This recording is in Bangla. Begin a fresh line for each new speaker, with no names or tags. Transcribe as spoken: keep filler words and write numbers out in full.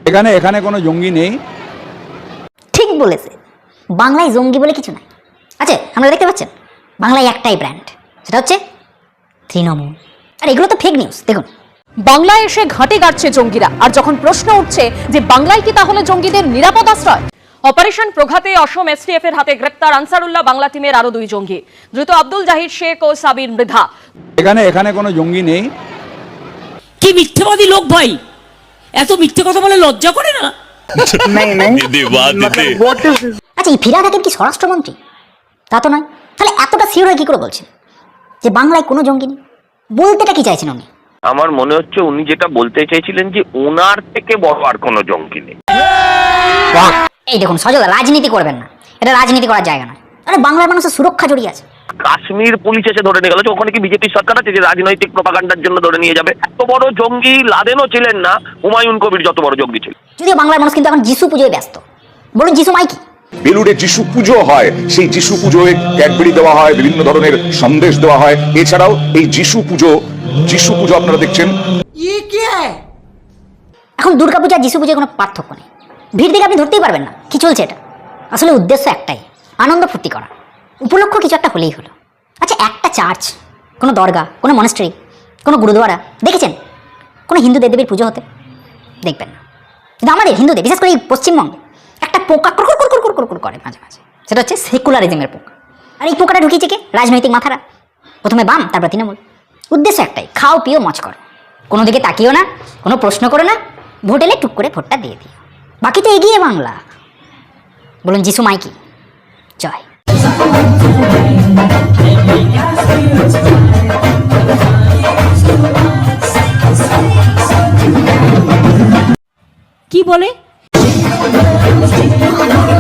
এখানে এখানে কোনো জঙ্গি নেই।
ঠিক বলেছে, বাংলায় জঙ্গি বলে কিছু নাই। আচ্ছা, আমরা দেখতে পাচ্ছেন বাংলায় একটাই ব্র্যান্ড, সেটা হচ্ছে তৃণমূল। আর এগুলো তো ফেক নিউজ। দেখুন,
বাংলায় এসে ঘাঁটি গাড়ছে জঙ্গিরা, আর যখন প্রশ্ন উঠছে যে বাংলায় কি তাহলে জঙ্গিদের নিরাপদ আশ্রয়? অপারেশন প্রঘাতে অসম এসটিএফ এর হাতে গ্রেপ্তার আনসারুল্লাহ বাংলা টিমের আরো দুই জঙ্গি। দ্রুত আব্দুল জাহির শেখ ও সাবির মৃধা।
এখানে এখানে কোনো জঙ্গি নেই।
কি মিথ্যেবাদী লোক ভাই, এত মিথ্যে কথা বলে লজ্জা করে না?
আচ্ছা, এই ফিরহাদ হাকিম কি স্বরাষ্ট্রমন্ত্রী? তা তো নয়। তাহলে এতটা সিওর হয়ে কি করে বলছেন যে বাংলায় কোনো জঙ্গি নেই? বলতেটা কি চাইছেন উনি?
আমার মনে হচ্ছে উনি যেটা বলতে চাইছিলেন যে ওনার থেকে বড় আর কোনো জঙ্গি নেই।
এই দেখুন সজল, রাজনীতি করবেন না, এটা রাজনীতি করার জায়গা নয়। আরে বাংলার মানুষের সুরক্ষা জড়িয়ে আছে।
কাশ্মীর পুলিশ এসে ধরে নিয়ে গেল, ওখানে কি বিজেপি সরকার আছে যে রাজনৈতিক প্রপাগান্ডার জন্য ধরে নিয়ে যাবে? এত বড় জঙ্গি লাদেনও ছিলেন না, হুমায়ুন কবির যত বড় জঙ্গি ছিল।
যদিও বাংলার মানুষ কিন্তু এখন যিশু পুজোয় ব্যস্ত। বলুন যিশু মাইকি।
বেলুড়ে যিশু পুজো হয়, সেই যিশু পুজোয় ক্যাডবেরি দেওয়া হয়, বিভিন্ন ধরনের সন্দেশ দেওয়া হয়। এছাড়াও এই যিশু পুজো যিশু পুজো আপনারা দেখছেন।
এখন দুর্গাপূজা যিশু পুজোয় কোনো পার্থক্য নেই। ভিড় দেখে আপনি ধরতেই পারবেন না কি চলছে এটা। আসলে উদ্দেশ্য একটাই, আনন্দ ফুর্তি করা। উপলক্ষ কিছু একটা হলেই হলো। আচ্ছা, একটা চার্চ, কোনো দরগা, কোনো মনেস্ট্রি, কোনো গুরুদুয়ারা দেখেছেন কোনো হিন্দু দেবদেবীর পুজো হতে? দেখবেন না। কিন্তু আমাদের হিন্দুদের, বিশেষ করে এই পশ্চিমবঙ্গে, একটা পোকা কুরকুর কুরকুর কুরকুর কুরকুর করে মাঝে মাঝে। সেটা হচ্ছে সেকুলারিজমের পোকা। আর এই পোকাটা ঢুকিয়েছে কে? রাজনৈতিক মাথারা। প্রথমে বাম, তারপর তৃণমূল। উদ্দেশ্য একটাই, খাও পিও মজ করো, কোনো দিকে তাকিও না, কোনো প্রশ্ন করো না, ভোট এলে টুক করে ভোটটা দিয়ে দিও। বাকি তো এগিয়ে বাংলা। বলুন যিশু মাইকি জয়।
কি বলে?